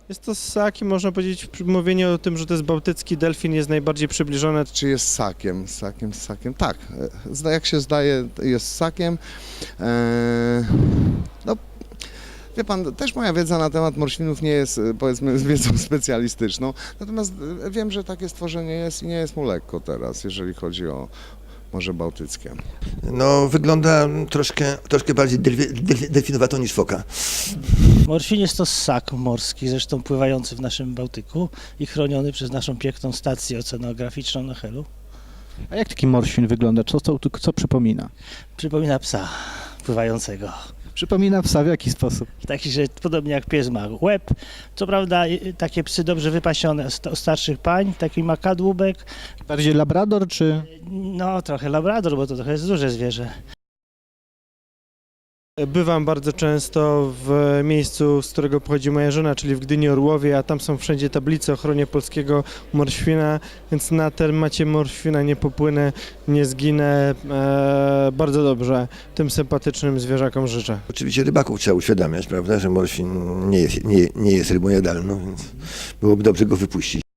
Jest to ssak i można powiedzieć, mówienie o tym, że to jest bałtycki delfin jest najbardziej przybliżone. Czy jest ssakiem? Ssakiem? Tak, jak się zdaje, jest ssakiem. No, wie pan, też moja wiedza na temat morświnów nie jest, powiedzmy, wiedzą specjalistyczną, natomiast wiem, że takie stworzenie jest i nie jest mu lekko teraz, jeżeli chodzi o Morze Bałtyckie. No, wygląda troszkę bardziej delfinowato niż foka. Morświn jest to ssak morski, zresztą pływający w naszym Bałtyku i chroniony przez naszą piękną stację oceanograficzną na Helu. A jak taki morświn wygląda? Co przypomina? Przypomina psa pływającego. Przypomina psa w jaki sposób? Taki, że podobnie jak pies ma łeb. Co prawda takie psy dobrze wypasione starszych pań, taki ma kadłubek. Bardziej labrador czy... No trochę labrador, bo to trochę jest duże zwierzę. Bywam bardzo często w miejscu, z którego pochodzi moja żona, czyli w Gdyni Orłowie, a tam są wszędzie tablice o ochronie polskiego morświna, więc na temacie morświna nie popłynę, nie zginę. Bardzo dobrze tym sympatycznym zwierzakom życzę. Oczywiście rybaków trzeba uświadamiać, prawda, że morświn nie jest rybą jadalną, więc byłoby dobrze go wypuścić.